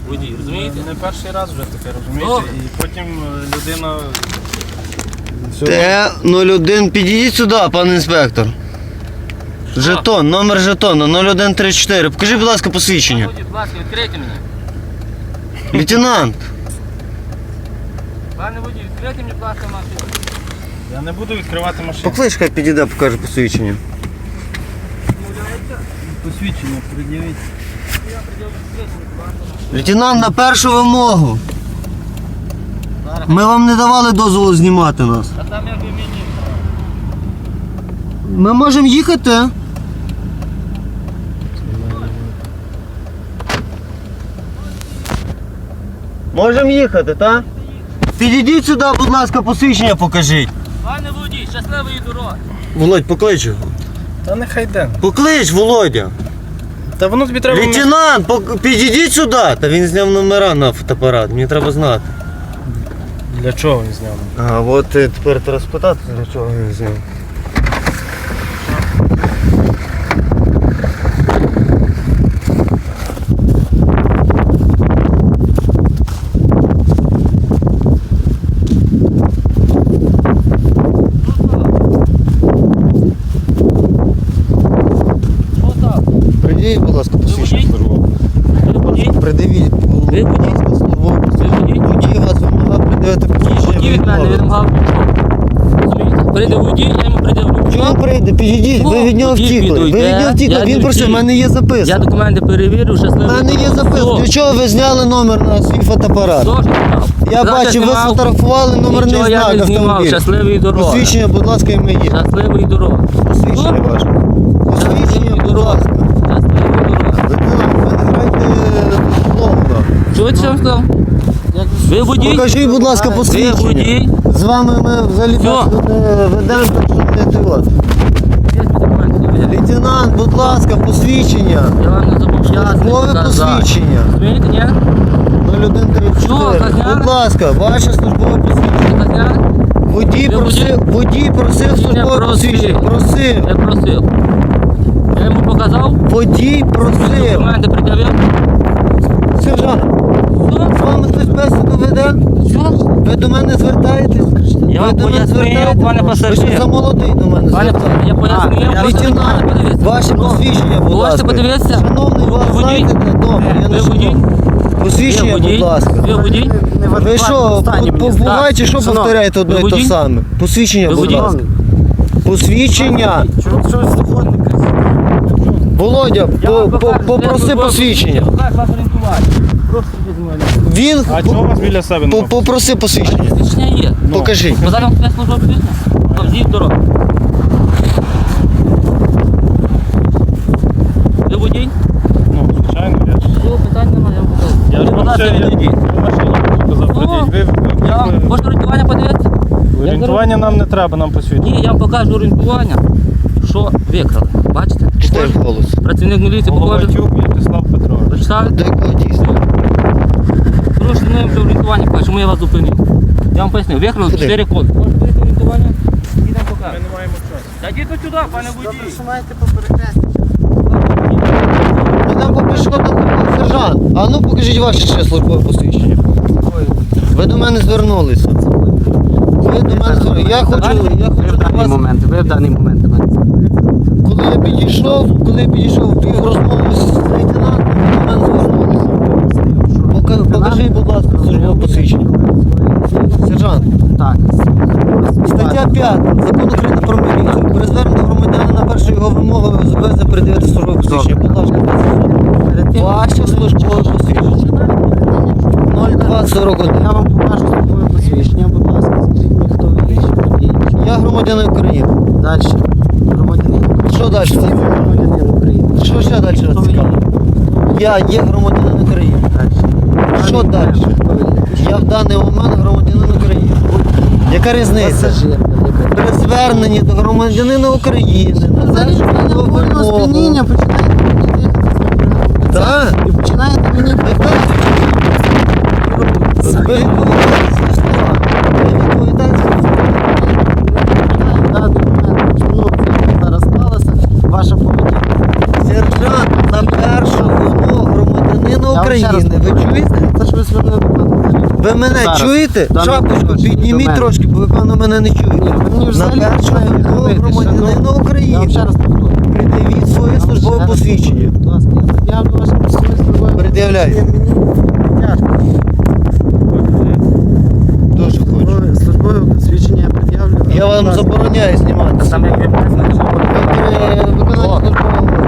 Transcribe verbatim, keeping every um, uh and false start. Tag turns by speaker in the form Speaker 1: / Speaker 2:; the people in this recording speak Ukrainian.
Speaker 1: водій, розумієте?
Speaker 2: Не перший раз вже таке, розумієте? І потім людина...
Speaker 3: Т нуль один, підійдіть сюди, пан інспектор. Жетон, номер жетона нуль один три чотири. Покажіть, будь ласка, посвідчення.
Speaker 1: Будь ласка, відкрийте мені.
Speaker 3: Лейтенант.
Speaker 1: Пане водій, відкрийте мені, будь ласка, машину.
Speaker 2: Я не буду відкривати машину.
Speaker 3: Поклич, хай підійде, покаже посвідчення.
Speaker 2: Посвідчення пред'явіть.
Speaker 3: Лейтенант, на першу вимогу. Ми вам не давали дозволу знімати нас.
Speaker 1: А там як ви мені?
Speaker 3: Ми можемо їхати. Можемо їхати, так? Підійдіть сюди, будь ласка, посвідчення покажіть.
Speaker 1: Пане водій, щасливої дороги.
Speaker 3: Володь, поклич його.
Speaker 2: Та нехай йде.
Speaker 3: Поклич, Володя.
Speaker 2: Та воно тобі треба...
Speaker 3: Лейтенант, пок- підійдіть сюди. Та він зняв номера на фотоапарат, мені треба знати.
Speaker 2: Для чого він зняв?
Speaker 3: А от е, тепер треба спитати, для чого він зняв.
Speaker 1: Що так?
Speaker 3: Придивіть, будь ласка, посвідчення
Speaker 1: водій?
Speaker 3: службове.
Speaker 1: Ви водій?
Speaker 3: Придивіть,
Speaker 1: Ви
Speaker 3: будь
Speaker 1: водій?
Speaker 3: ласка, службове
Speaker 1: Ви
Speaker 3: посвідчення.
Speaker 1: водій?
Speaker 3: Водій вас вимагав придивити посвідчення.
Speaker 1: Водій від мене
Speaker 3: відмовили.
Speaker 1: відмагав. Розумієте? Прийде водій, я йому придивлю.
Speaker 3: Чого прийде? Підійдіть, ви від нього
Speaker 1: Водій
Speaker 3: втікли. Ви
Speaker 1: підійде,
Speaker 3: від нього втікли,
Speaker 1: я
Speaker 3: він
Speaker 1: не
Speaker 3: просив, в
Speaker 1: втік.
Speaker 3: мене є
Speaker 1: Я
Speaker 3: записка.
Speaker 1: документи перевірю,
Speaker 3: У
Speaker 1: щасливої
Speaker 3: мене є записка. Для чого ви зняли номер на свій фотоапарат?
Speaker 1: Хто ж знімав?
Speaker 3: Я
Speaker 1: Завтра
Speaker 3: бачив, ви
Speaker 1: знімав.
Speaker 3: сфотографували номерний
Speaker 1: Нічого я
Speaker 3: знак
Speaker 1: не знімав.
Speaker 3: автомобіля.
Speaker 1: Щасливої дороги.
Speaker 3: Посвідчення, будь ласка, і моє.
Speaker 1: Щасливої дороги.
Speaker 3: Посвідчення
Speaker 1: Хто?
Speaker 3: ваше. Посвідчення,
Speaker 1: Щасливої
Speaker 3: будь
Speaker 1: дороги.
Speaker 3: ласка.
Speaker 1: Щасливої дороги.
Speaker 3: Лейтенант, ви не грайте плохо.
Speaker 1: Чуєте, що я вам сказав? Ви водій?
Speaker 3: Покажіть, будь ласка,
Speaker 1: Ви
Speaker 3: посвідчення.
Speaker 1: водій?
Speaker 3: З вами ми взагалі
Speaker 1: Все.
Speaker 3: так не ведемо, так що не тривати.
Speaker 1: Є документи, довіряю.
Speaker 3: Лейтенант, будь ласка, посвідчення.
Speaker 1: Я вам не зобов'язаний
Speaker 3: Службове
Speaker 1: показати.
Speaker 3: посвідчення.
Speaker 1: Розумієте, ні?
Speaker 3: нуль один тридцять
Speaker 1: Що,
Speaker 3: чотири.
Speaker 1: Казняк?
Speaker 3: Будь ласка, ваше службове посвідчення.
Speaker 1: Казняк?
Speaker 3: Водій
Speaker 1: Ви
Speaker 3: просив, водій просив
Speaker 1: Ні,
Speaker 3: службове
Speaker 1: просив.
Speaker 3: посвідчення. Просив.
Speaker 1: Я просив. Я йому показав.
Speaker 3: Водій просив.
Speaker 1: Документи пред'явив.
Speaker 3: Сержант,
Speaker 1: Все?
Speaker 3: з вами хтось бесіду веде?
Speaker 1: Все?
Speaker 3: Ви до мене звертаєтесь?
Speaker 1: Я
Speaker 3: Ви
Speaker 1: вам
Speaker 3: до мене
Speaker 1: пояснив,
Speaker 3: звертаєтесь?
Speaker 1: пане
Speaker 3: Ви
Speaker 1: пасажир.
Speaker 3: що за молодий до мене
Speaker 1: Пане,
Speaker 3: звертаєтесь?
Speaker 1: я пояснив.
Speaker 3: А, Лейтенант, ваше посвідчення, будь
Speaker 1: Можете
Speaker 3: ласка.
Speaker 1: подивитися?
Speaker 3: Шановний, вас
Speaker 1: Ви водій?
Speaker 3: знаєте, де номер? Я не
Speaker 1: Ви водій?
Speaker 3: шукав. Посвідчення,
Speaker 1: Ви водій?
Speaker 3: будь ласка.
Speaker 1: Ви водій?
Speaker 3: Ви що, побуваєте, що
Speaker 1: Шановний,
Speaker 3: повторяєте одне
Speaker 1: ви
Speaker 3: і те
Speaker 1: водій?
Speaker 3: саме? Посвідчення,
Speaker 1: Ви
Speaker 3: будь
Speaker 1: водій?
Speaker 3: ласка. Посвідчення. Володя,
Speaker 1: Я вам
Speaker 3: по- по-
Speaker 1: покажу,
Speaker 3: попроси
Speaker 1: де ви
Speaker 3: посвідчення.
Speaker 1: Як вас орієнтувати? Просто візьмемо.
Speaker 3: Він
Speaker 2: А чого у вас біля себе
Speaker 3: по-
Speaker 2: немає?
Speaker 3: попроси посвідчення.
Speaker 1: Посвідчення є.
Speaker 3: Покажіть.
Speaker 1: Бо зараз вам служба бізнес. Повзіть дорогу. Ви водій?
Speaker 2: Ну, звичайно, я ж...
Speaker 1: Цього питань немає, я вам покажу.
Speaker 2: Я ж
Speaker 1: Будь ласка,
Speaker 2: машині, я
Speaker 1: відійдіть.
Speaker 2: в машині показав.
Speaker 1: Ну,
Speaker 2: Придіть. Ви, ви,
Speaker 1: Я вам,
Speaker 2: ви,
Speaker 1: можете орієнтування подивитися?
Speaker 2: орієнтування нам не треба, нам посвідчення.
Speaker 1: Ні, я вам покажу орієнтування, що викрали. Бачите?
Speaker 3: Читай голос.
Speaker 1: Працівник міліції покаже.
Speaker 2: Головатюк В'ячеслав Петрович.
Speaker 1: Прочитали?
Speaker 3: До якого дійсно?
Speaker 1: Прошу не вже орієнтування покажу, чому я вас зупинив. Я вам пояснив, викрали
Speaker 3: Куди?
Speaker 1: чотири коди. Можете дивитися орієнтування і нам
Speaker 2: Ми
Speaker 1: покажу.
Speaker 2: не маємо часу.
Speaker 1: Та йдіть от сюди, пане водій.
Speaker 3: Нам по пішохідному сержант. А ну покажіть ваше ще службове посвідчення. Ви до мене звернулися. Ви до мене звернулися. Я хочу, я хочу до вас,
Speaker 4: момент, ви в даний момент до мене.
Speaker 3: коли я підійшов, коли я підійшов пів розмови з лейтенантом, ви до мене звернулися. Пока- Покажіть, будь ласка, службове посвідчення. Сержант,
Speaker 4: Так.
Speaker 3: стаття п'ята Закону України про міліцію. При зверненні громадянина на першу його вимогу ви зобов'язані придивити службове посвідчення. Будь ласка, ваше службове посвідчення. нуль два сорок один.
Speaker 4: Я вам покажу службове посвідчення, будь ласка, скажіть мені, хто ви є, що ви є.
Speaker 3: Я громадянин України.
Speaker 4: Далі. Громадянин України.
Speaker 3: Що далі?
Speaker 4: Громадянин України.
Speaker 3: Що ще далі
Speaker 4: Хто
Speaker 3: вас
Speaker 4: ви є?
Speaker 3: цікаво? Я є громадянин України.
Speaker 4: Далі.
Speaker 3: Що далі?
Speaker 4: Хто ви є?
Speaker 3: Я в даний момент громадянин України. Яка різниця?
Speaker 4: Пасажир, яка-
Speaker 3: При зверненні до громадянина України. на
Speaker 4: Взагалі,
Speaker 3: нашу
Speaker 4: в мене повільного
Speaker 3: вимогу.
Speaker 4: сп'яніння, починаєте мені дихати.
Speaker 3: Так?
Speaker 4: І починаєте мені
Speaker 3: Ви відповідаєте за слова. Ви відповідаєте за слова.
Speaker 4: дати документ, чому це зараз сталося, ваша поведінка.
Speaker 3: Сержант, на першу вимогу громадянина
Speaker 4: Я вам ще раз
Speaker 3: України. Ви
Speaker 4: повторюю.
Speaker 3: чуєте?
Speaker 4: Це ж ви звернули до мене.
Speaker 3: Ви мене
Speaker 4: Зараз.
Speaker 3: чуєте?
Speaker 4: Дане
Speaker 3: Шапочку
Speaker 4: відношення до
Speaker 3: підніміть
Speaker 4: мене.
Speaker 3: трошки, бо ви, певно, мене не чуєте.
Speaker 4: Ні, ви мені
Speaker 3: На
Speaker 4: взагалі
Speaker 3: першого
Speaker 4: не
Speaker 3: вимогу
Speaker 4: говорите,
Speaker 3: громадянина
Speaker 4: шановний. Я вам
Speaker 3: України
Speaker 4: ще раз повторю.
Speaker 3: пред'явіть своє
Speaker 4: Я вам
Speaker 3: службове
Speaker 4: ще раз
Speaker 3: посвідчення.
Speaker 4: повторю. Будь ласка, я пред'явлю ваше службове
Speaker 3: Пред'являйте.
Speaker 4: посвідчення. Мені тяжко.
Speaker 3: Дуже хочу.
Speaker 4: Службове- Службове посвідчення я пред'явлю.
Speaker 3: Я вам забороняю знімати.
Speaker 1: Там як ви мене знаєте,
Speaker 3: Виконання службового